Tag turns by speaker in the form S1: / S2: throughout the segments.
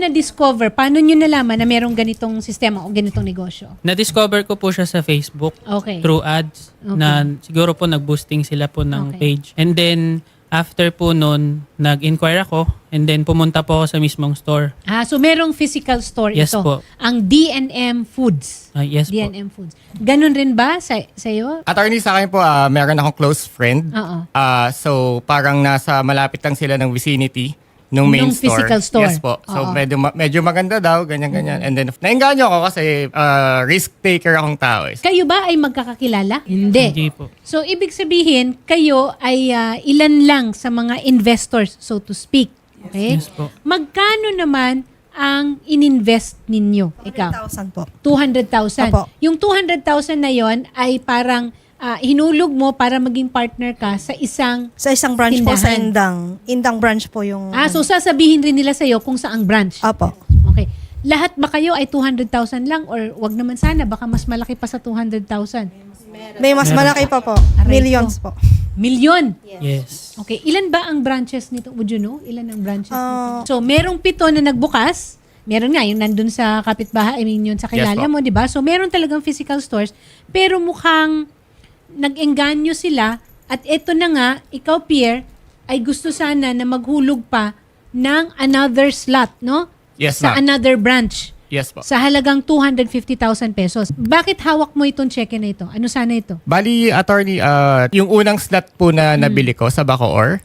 S1: na-discover? Paano nyo nalaman na merong ganitong sistema o ganitong negosyo?
S2: Na-discover ko po siya sa Facebook
S1: Okay.
S2: through ads na siguro po nag-boosting sila po ng
S1: Okay.
S2: page. And then, after po nun, nag-inquire ako and then pumunta po ako sa mismong store.
S1: So merong physical store
S2: Yes
S1: ito.
S2: po.
S1: Ang D&M Foods.
S2: Yes po.
S1: D&M Foods. Ganun rin ba sa'yo?
S3: Attorney, sa akin po, meron akong close friend.
S1: Oo.
S3: So, parang nasa malapit lang sila ng vicinity nung main
S1: Nung
S3: store.
S1: physical store.
S3: Yes po. So,
S1: Oo.
S3: medyo maganda daw, ganyan-ganyan. And then, nainganyo ako kasi risk taker akong tao.
S1: Kayo ba ay magkakakilala? Hindi.
S2: Hindi po.
S1: So, ibig sabihin, kayo ay ilan lang sa mga investors, so to speak. Okay?
S2: Yes po.
S1: Magkano naman ang ininvest ninyo? Ikaw?
S4: 100,000 po.
S1: 200,000.
S4: Opo.
S1: Yung 200,000 na yon ay parang hinulog mo para maging partner ka sa isang...
S4: Sa isang branch po sa
S1: Tindahan.
S4: Indang. Indang branch po yung...
S1: So sasabihin rin nila sa'yo kung saang branch.
S4: Opo.
S1: Okay. Lahat ba kayo ay 200,000 lang or wag naman sana, baka mas malaki pa sa 200,000?
S4: May mas malaki pa po.
S1: Aray
S4: Millions po.
S1: Milyon?
S2: Yes.
S1: Okay. Ilan ba ang branches nito? Would you know? Ilan ang branches nito? So, merong 7 na nagbukas. Meron nga, yung nandun sa kapitbahay, yun sa kilala
S3: Yes po.
S1: mo, di ba? So, meron talagang physical stores. Pero mukhang nag-engganyo sila at eto na nga, ikaw, Pierre, ay gusto sana na maghulog pa ng another slot, no?
S3: Yes,
S1: Sa
S3: ma'am.
S1: another branch.
S3: Yes po.
S1: Sa halagang 250,000 pesos. Bakit hawak mo itong cheque na ito? Ano sana ito?
S3: Bali, attorney, yung unang slot po na nabili ko sa Bacoor,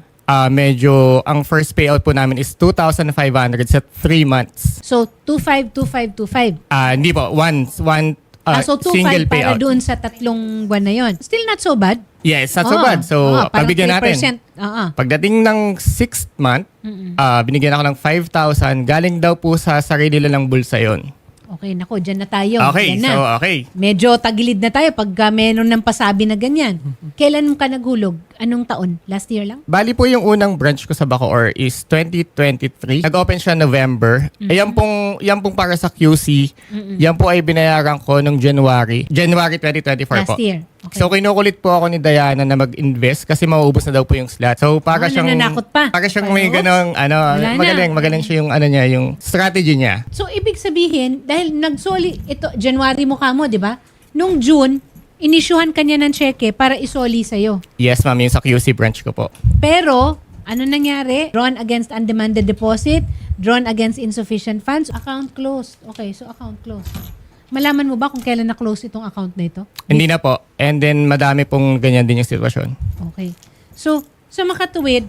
S3: medyo, ang first payout po namin is 2,500 sa 3 months.
S1: So, 252525.
S3: Hindi po, one
S1: So, 2.5
S3: single
S1: para
S3: payout.
S1: doon sa 3 buwan na yon. Still not so bad.
S3: Yes, not so bad. So,
S1: parang
S3: pagbigyan natin.
S1: 3%. Oo.
S3: Pagdating ng 6th month, binigyan ako ng 5,000. Galing daw po sa sarili lang ng bulsa yon.
S1: Okay, nako, dyan na tayo.
S3: Okay,
S1: Dyan na.
S3: so okay.
S1: Medyo tagilid na tayo pag meron ng pasabi na ganyan. Kailan ka naghulog? Anong taon? Last year lang?
S3: Bali po yung unang branch ko sa Bacoor is 2023. Nag-open siya November. Yan pong para sa QC. Yan po ay binayaran ko noong January 2024
S1: Last
S3: po.
S1: year. Okay.
S3: So kinukulit po ako ni Diana na mag-invest kasi mauubos na daw po yung slot. So para siyang
S1: nananakot pa.
S3: Para siyang may
S1: Ayos.
S3: ganong
S1: Wala na.
S3: magaling siya yung niya, yung strategy niya.
S1: So, ibig sabihin, dahil nagsoli, ito, January mo ka mo, di ba? Nung June, inisyuhan ka niya ng cheque para isoli sa'yo.
S3: Yes, ma'am, yung sa QC branch ko po.
S1: Pero, ano nangyari? Drawn against undemanded deposit, drawn against insufficient funds, account closed. Okay, so account closed. Malaman mo ba kung kailan na-close itong account na ito?
S3: Hindi na po. And then madami pong ganyan din yung sitwasyon.
S1: Okay. So, sa makatuwid,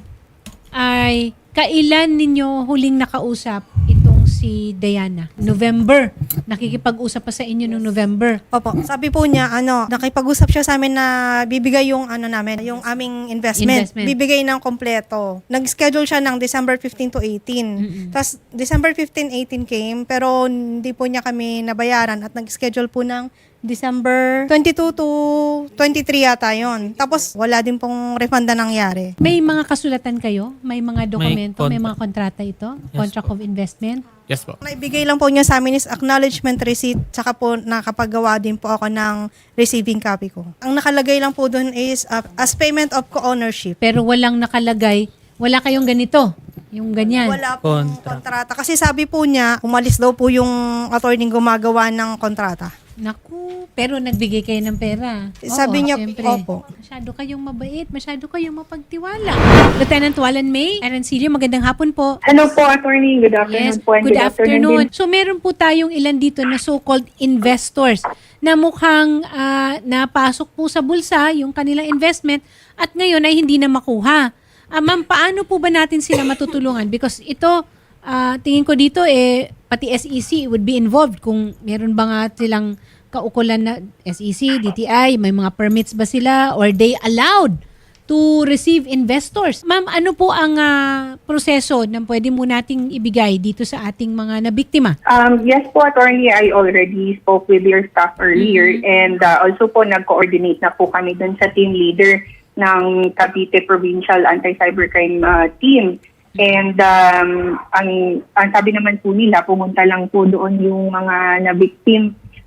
S1: ay kailan ninyo huling nakausap itong si Diana? November. Nakikipag-usap pa sa inyo noong November.
S4: Opo. Sabi po niya, nakipag-usap siya sa amin na bibigay yung namin, yung aming investment.
S1: Investment.
S4: Bibigay ng kompleto. Nag-schedule siya ng December 15 to 18. Tapos December 15, 18 came, pero hindi po niya kami nabayaran at nag-schedule po ng December 22 to 23 yata yun. Tapos wala din pong refund na nangyari.
S1: May mga kasulatan kayo? May mga dokumento? May,
S2: contract.
S1: mga kontrata ito?
S2: Yes
S1: Contract
S2: po.
S1: of investment?
S3: Yes po.
S4: Naibigay lang po niya sa amin is acknowledgement receipt, tsaka po nakapagawa din po ako ng receiving copy ko. Ang nakalagay lang po doon is as payment of co-ownership.
S1: Pero walang nakalagay, wala kayong ganito. Yung ganyan.
S4: Wala pong
S2: Contract.
S4: kontrata. Kasi sabi po niya, umalis daw po yung attorney gumagawa ng kontrata.
S1: Naku, pero nagbigay kayo ng pera.
S4: Sabi niya,
S1: siyempre.
S4: opo.
S1: Masyado kayong mabait, masyado kayong mapagtiwala. Lieutenant Walan May, Arancilio, magandang hapon po.
S5: Hello po, attorney. Good afternoon
S1: Yes,
S5: po. And
S1: good afternoon.
S5: din.
S1: So meron po tayong ilan dito na so-called investors na mukhang napasok po sa bulsa yung kanilang investment at ngayon ay hindi na makuha. Ma'am, paano po ba natin sila matutulungan? Because ito, tingin ko dito, pati SEC would be involved kung meron ba nga silang kaukulan na SEC, DTI, may mga permits ba sila or they allowed to receive investors. Ma'am, ano po ang proseso na pwede mo nating ibigay dito sa ating mga nabiktima?
S5: Yes po, attorney. I already spoke with your staff earlier and also po nag-coordinate na po kami dun sa team leader ng Cavite Provincial Anti-Cybercrime Team. And ang sabi naman po nila, pumunta lang po doon yung mga na-victim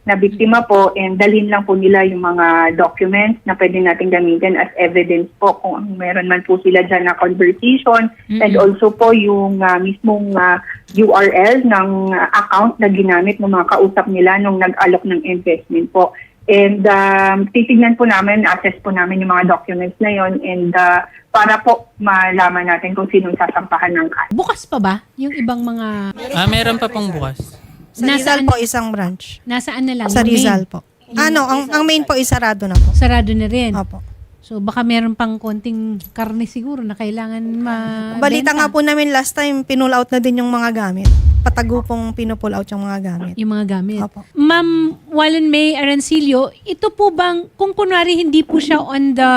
S5: na biktima po, and dalhin lang po nila yung mga documents na pwede natin gamitin as evidence po kung meron man po sila dyan na conversation, and also po yung mismong URL ng account na ginamit ng mga kausap nila nung nag-alok ng investment po. And titignan po namin, assess po namin yung mga documents na yon, and para po malaman natin kung sinong sasampahan ng kaso.
S1: Bukas pa ba yung ibang mga...
S2: Meron pa pong bukas.
S4: Sa Rizal po, isang branch.
S1: Nasaan na lang?
S4: Sa
S1: Yung main?
S4: Rizal po. Ang main po is sarado na po.
S1: Sarado na rin.
S4: Opo.
S1: So baka meron pang konting karne siguro na kailangan
S4: Balita nga po namin last time, pinull out na din yung mga gamit. Patago pong pinupull out yung mga gamit.
S1: yung mga gamit.
S4: Opo.
S1: Ma'am Wallen May Arancilio, ito po bang, kung kunwari hindi po siya on the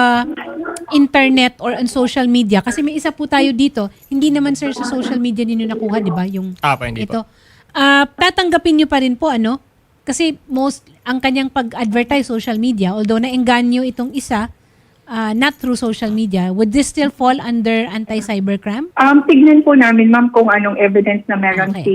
S1: internet or on social media, kasi may isa po tayo dito, hindi naman sir sa social media ninyo nakuha, di ba? Yung
S3: Hindi
S1: ito.
S3: po.
S1: Tatanggapin nyo pa rin po, ano? Kasi ang kanyang pag-advertise social media, although naengganyo itong isa, not through social media, would this still fall under anti-cybercrime?
S5: Tignan po namin, ma'am, kung anong evidence na meron
S1: Okay.
S5: si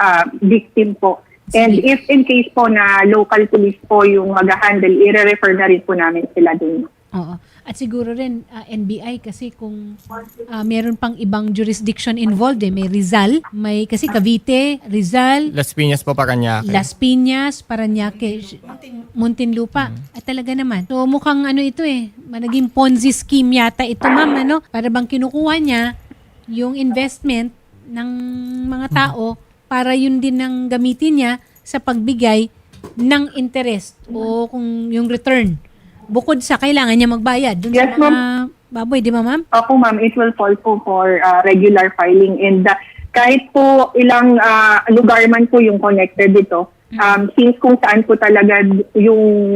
S5: victim po. And
S1: Sige.
S5: if in case po na local police po yung mag-handle, i-refer na rin po namin sila dun.
S1: Oo. At siguro rin NBI kasi kung meron pang ibang jurisdiction involved may Rizal, may kasi Cavite, Rizal,
S3: Las Piñas po, Parañaque.
S1: Las Piñas, Parañaque, Muntinlupa. At talaga naman. So mukhang ito naging Ponzi scheme yata ito ma'am, para bang kinukuha niya yung investment ng mga tao para yun din ang gamitin niya sa pagbigay ng interest o kung yung return. Bukod sa kailangan niya magbayad dun
S5: Yes,
S1: sa mga baboy, di ba ma'am?
S5: Opo, ma'am, it will fall po for regular filing. And kahit po ilang lugar man po yung connected dito, since kung saan po talaga yung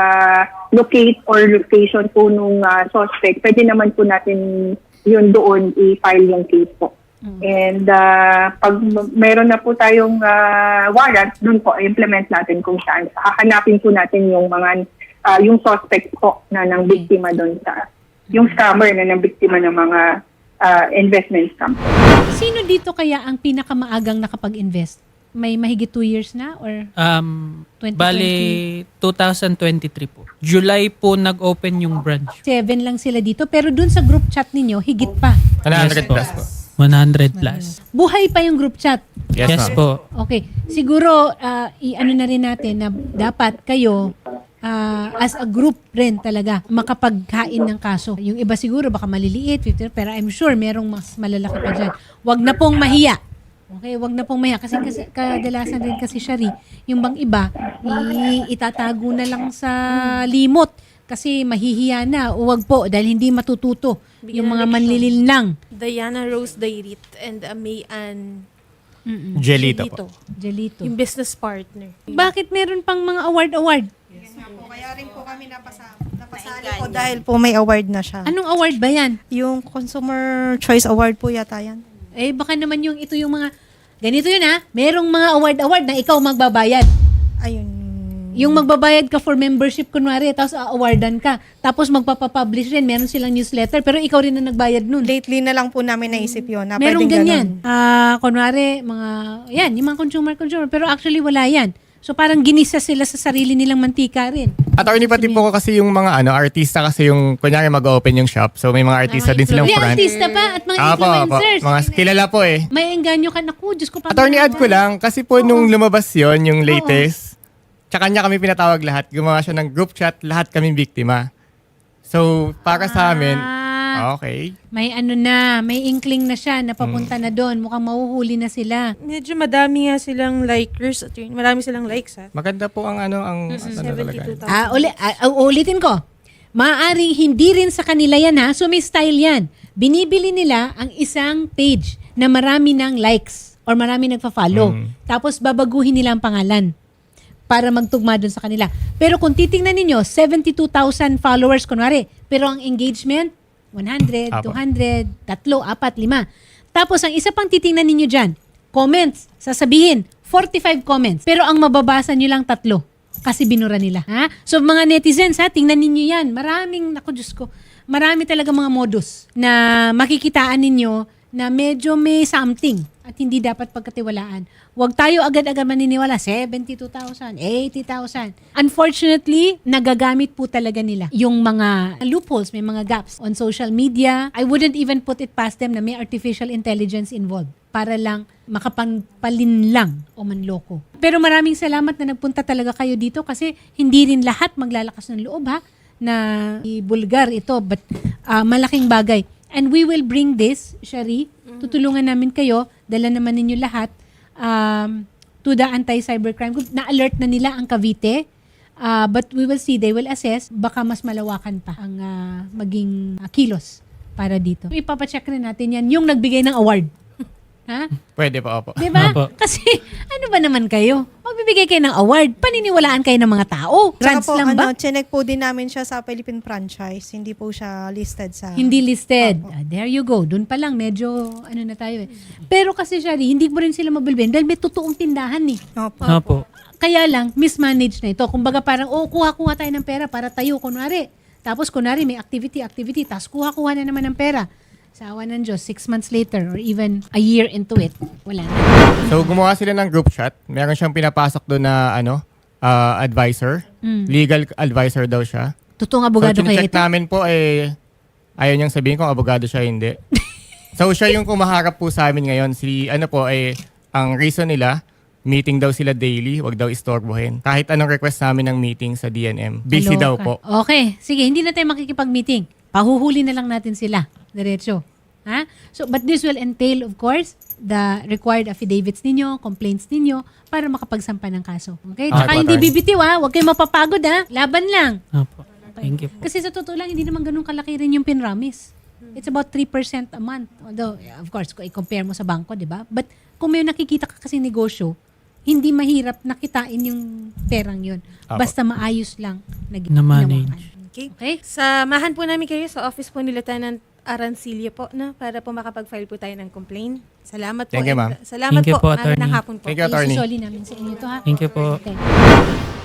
S5: naka-locate or location po nung suspect, pwede naman po natin yun doon i-file yung case po. And pag meron na po tayong warrant, doon po implement natin kung saan. Hahanapin po natin yung mga yung suspect po na ng biktima doon sa yung scammer na ng biktima ng mga investment scam.
S1: Sino dito kaya ang pinakamaagang nakapag-invest? May mahigit 2 years na or 2020?
S2: Bali, 2023 po. July po nag-open yung branch.
S1: 7 lang sila dito pero dun sa group chat ninyo higit pa.
S3: 100
S2: Yes po.
S3: plus po.
S2: 100 plus.
S1: Buhay pa yung group chat.
S3: Yes,
S2: Yes
S3: ma'am.
S2: po.
S1: Okay. Siguro i-ano na rin natin na dapat kayo as a group rin talaga makapaghain ng kaso. Yung iba siguro baka maliliit, 50, pero I'm sure merong mas malalaki pa dyan. Wag na pong mahiya. Okay, wag na pong mahiya. Kasi kadalasan rin kasi Shari, yung bang iba, itatago na lang sa limot. Kasi mahihiya na. O wag po, dahil hindi matututo yung mga manlilinlang.
S6: Diana Rose Dairit and May Ann
S3: Jelito po.
S1: Jelito.
S6: yung business partner.
S1: Bakit meron pang mga award?
S4: Kaya rin po kami napasali po dahil po may award na siya.
S1: Anong award ba yan?
S4: Yung Consumer Choice Award po yata yan.
S1: Baka naman ito yung mga, ganito yun merong mga award na ikaw magbabayad.
S4: Ayun.
S1: Yung magbabayad ka for membership, kunwari, tapos awardan ka. Tapos magpapapublish rin, meron silang newsletter, pero ikaw rin na nagbayad nun.
S4: Lately na lang po namin naisip yun. Na
S1: Merong
S4: pwedeng
S1: ganyan.
S4: ganun.
S1: Kunwari, yung mga consumer, pero actually wala yan. So parang ginisa sila sa sarili nilang mantika rin.
S3: Attorney, pati po kasi yung mga artista kasi yung kunyari mag-open yung shop. So may mga artista din silang
S1: May
S3: front.
S1: artista pa at mga
S3: Apo.
S1: influencers.
S3: Mga kilala po eh.
S1: May engganyo ka. Naku, Diyos ko.
S3: Attorney, add ko lang. Kasi po nung lumabas yon yung latest, tsaka niya kami pinatawag lahat. Gumawa siya ng group chat, lahat kami biktima. So, para sa amin, okay.
S1: May may inkling na siya, napapunta na doon. Mukhang mahuhuli na sila.
S6: Medyo madami nga silang likers at marami silang likes
S3: Maganda po ang talaga.
S6: 72,000.
S1: Ulitin ko. Maaaring hindi rin sa kanila yan so may style yan. Binibili nila ang isang page na marami ng likes or marami nagpa-follow. Tapos babaguhin nila ang pangalan para magtugma doon sa kanila. Pero kung titingnan ninyo, 72,000 followers kunwari, pero ang engagement 100,
S3: Apo.
S1: 200, 3, 4, 5. Tapos ang isa pang titingnan ninyo dyan, comments, sasabihin, 45 comments. Pero ang mababasa nyo lang 3 kasi binura nila. So mga netizens, tingnan ninyo yan. Maraming, naku Diyos ko, marami talaga mga modus na makikitaan ninyo na medyo may something at hindi dapat pagkatiwalaan. Huwag tayo agad-agad maniniwala, 72,000, 80,000. Unfortunately, nagagamit po talaga nila yung mga loopholes, may mga gaps on social media. I wouldn't even put it past them na may artificial intelligence involved para lang makapagpalin lang o manloko. Pero maraming salamat na nagpunta talaga kayo dito kasi hindi rin lahat maglalakas ng loob na ibulgar ito, but malaking bagay. And we will bring this, Shari, tutulungan namin kayo, dala naman ninyo lahat to the anti-cybercrime group. Na-alert na nila ang Cavite, but we will see, they will assess, baka mas malawakan pa ang maging kilos para dito. Ipapacheck rin natin yan, yung nagbigay ng award. Ha?
S3: Pwede po, opo.
S1: Diba?
S2: Opo.
S1: Kasi ano ba naman kayo? Magbibigay kayo ng award, paniniwalaan kayo ng mga tao.
S4: Saka
S1: Grants
S4: po,
S1: lang ba?
S4: chinek po din namin siya sa Philippine franchise. Hindi po siya listed sa...
S1: Hindi listed. There you go. Doon pa lang, medyo ano na tayo eh. Pero kasi, Shari, hindi mo rin sila mabilben dahil may totoong tindahan eh.
S4: Opo.
S2: Opo.
S1: Kaya lang, mismanaged na ito. Kumbaga parang, kuha-kuha tayo ng pera para tayo, kunwari. Tapos kunwari may activity, tapos kuha-kuha na naman ng pera. Sa awa ng Diyos, 6 months later or even a year into it, wala na.
S3: So gumawa sila ng group chat. Meron siyang pinapasok doon na advisor. Legal advisor daw siya.
S1: Totoong abogado
S3: so,
S1: kaya
S3: chinecheck
S1: ito?
S3: namin po ayaw niyang sabihin kung abogado siya hindi. So siya yung kumaharap po sa amin ngayon. Ang reason nila, meeting daw sila daily, wag daw istorbohin. Kahit anong request namin ng meeting sa DNM. Busy daw po.
S1: Okay. Sige, hindi na tayo makikipag-meeting. Pahuhuli na lang natin sila. Diretso. Ha? So, but this will entail, of course, the required affidavits ninyo, complaints ninyo, para makapagsampa ng kaso. Okay? Tsaka hindi
S3: attorney.
S1: bibitiw Huwag kayong mapapagod Laban lang.
S2: Opo. Thank you po.
S1: Kasi sa totoo lang, hindi naman ganun kalaki rin yung pinramis. It's about 3% a month. Although, of course, kung i-compare mo sa bangko, di ba? But kung may nakikita ka kasi negosyo, hindi mahirap nakitain yung perang yun.
S3: Apo.
S1: Basta maayos lang
S2: Na-manage.
S1: ginawakan.
S6: Okay?
S1: Okay?
S6: Samahan po namin kayo sa office po ni Lieutenant Arancilio po, no? Para po makapag-file po tayo ng complaint. Salamat po.
S3: Thank you, ma'am.
S6: Salamat
S2: Thank you po,
S6: po.
S2: attorney.
S6: Magandang hapon po.
S3: Thank you, attorney.
S1: Isusoli namin sa inyo to
S2: Thank you po.
S1: Okay.